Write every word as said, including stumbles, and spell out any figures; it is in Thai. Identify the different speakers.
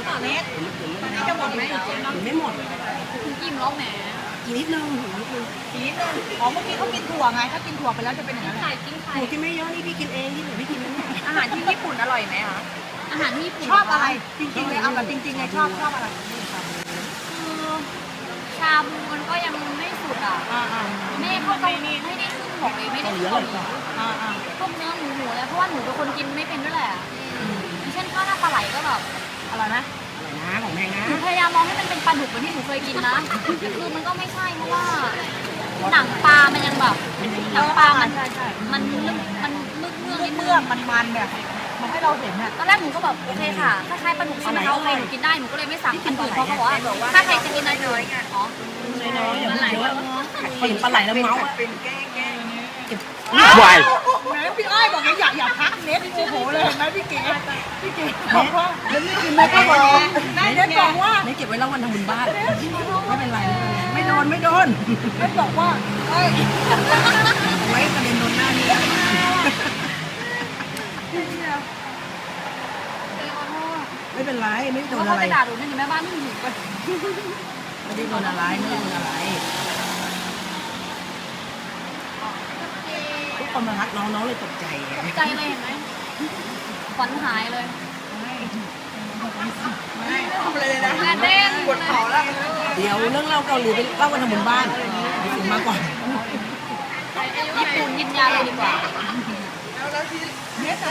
Speaker 1: ต่อเน็ตตอนนี้จะหมดไหมไม่หมดคุณกินล้อแหมกินนิดนึงนิดนึงกินนิดนึงอ๋อเมื่อกี้เขากินถั่วไงถ้ากินถั่วไปแล้วจะเป็นอย่างนั้นไข่กินไข่กินไม่เยอะนี่พี่กินเองที่เหลือพี่กินนั่นแหละอาหารที่ญี่ปุ่นอร่อยไหมคะอาหารที่ญี่ปุ่นชอบอะไรจริงๆเลยเอาแบบจริงๆเลยชอบชอบอะไรคือชาบูมันก็ยังไม่สุดอ่ะไม่เข้าเกาหลีไม่ได้ขึ้นบอกเลยไม่ได้ขึ้นเกาหลีพวกเนื้อหมูหมูแล้วเพราะว่าหนูเป็นคนกินไม่เป็นด้วยแหละอย่างเช่นข้าวหน้าปลาไหลก็แบบอร่อยนะอร่อยนะของแม่นะหนูพยายามมองให้มันเป็นปลาดุกเหมือนที่หนูเคยกินนะคือมันก็ไม่ใช่เพราะว่าหนังปลามันยังแบบหนังปลามันมันมันมึกเมือกนิดเมือกมันมันเนี่ยมันให้เราเห็นอ่ะตอนแรกหนูก็แบบโอเคค่ะคล้ายๆปลาดุกใช่ไหมคะโอเคหนูกินได้หนูก็เลยไม่สั่งอันอื่นเพราะเขาบอกว่าถ้าใครจะกินอะไรเลยอ๋อน้อยๆอย่าเยอะพอเห็นปลาไหลแล้วเมาส์เป็นแก้แก้
Speaker 2: วาย
Speaker 1: แม่พี่อ้อยบอกอย่าอย่าพักเน็ตโอ้โหเลยเห็นไหมพี่เก๋พี่เก๋บอกว่าเน็ตไม่กินเน็ตก็บอกเน็ตบอกว่าเน็ตเก็บไว้แล้ววันทำบุญบ้านไม่เป็นไรไม่โดนไม่โดนเน็ตบอกว่าเอ้ยไว้ประเด็นโดนหน้านี้ไม่เป็นไรไม่โดนอะไรเขาจะด่าหนูนี่แม่บ้านไม่อยู่กันไม่ได้โดนอะไรไม่ได้โดนอะไรทุกคนมารักน้องน้องเลยตกใจตกใจเลยเห็นไหมขวัญหายเลยไม่ทำอะไรเลยนะงานเต้นปวดเข่าแล้วเดี๋ยวเรื่องเล่าเกาหลีไปเล่าวันทำบุญบ้านถึงมากกว่าญี่ปุ่นกินยาเลยดีกว่า